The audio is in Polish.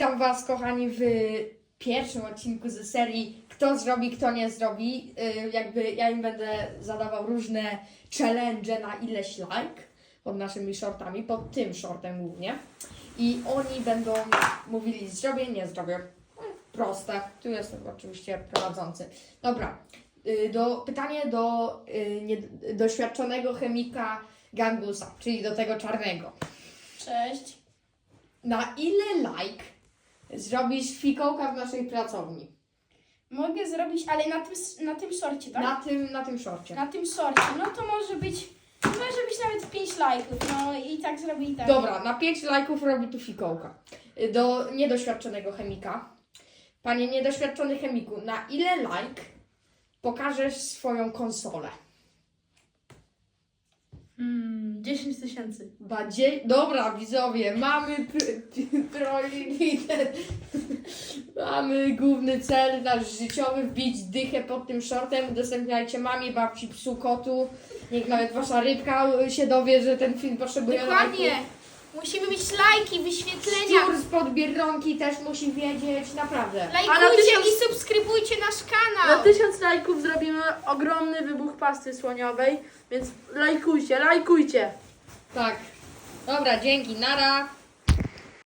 Witam Was, kochani, w pierwszym odcinku ze serii Kto zrobi, kto nie zrobi. Ja im będę zadawał różne challenge na ileś like pod naszymi shortami, pod tym shortem głównie. I oni będą mówili zrobię, nie zrobię. Proste. Tu jestem oczywiście prowadzący. Dobra. Pytanie do doświadczonego chemika Gangusa, czyli do tego czarnego. Cześć. Na ile like zrobisz fikołka w naszej pracowni? Mogę zrobić, ale na tym sorcie, tak? Na tym shorcie. Na tym sorcie. No to może być nawet 5 lajków. No i tak zrobię i tak. Dobra, na 5 lajków robi tu fikołka. Do niedoświadczonego chemika. Panie niedoświadczony chemiku, na ile like pokażesz swoją konsolę? 10 tysięcy. Dobra, widzowie, mamy priorytet. Mamy główny cel nasz życiowy, wbić dychę pod tym shortem. Udostępniajcie mamie, babci, psu, kotu. Niech nawet wasza rybka się dowie, że ten film potrzebuje Dokładnie. lajków. Musimy mieć lajki, wyświetlenia. Szczur spod Biedronki też musi wiedzieć, naprawdę. Lajkujcie i subskrybujcie nasz kanał. Na 1000 lajków zrobimy ogromny wybuch pasty słoniowej, więc lajkujcie. Tak. Dobra, dzięki, nara.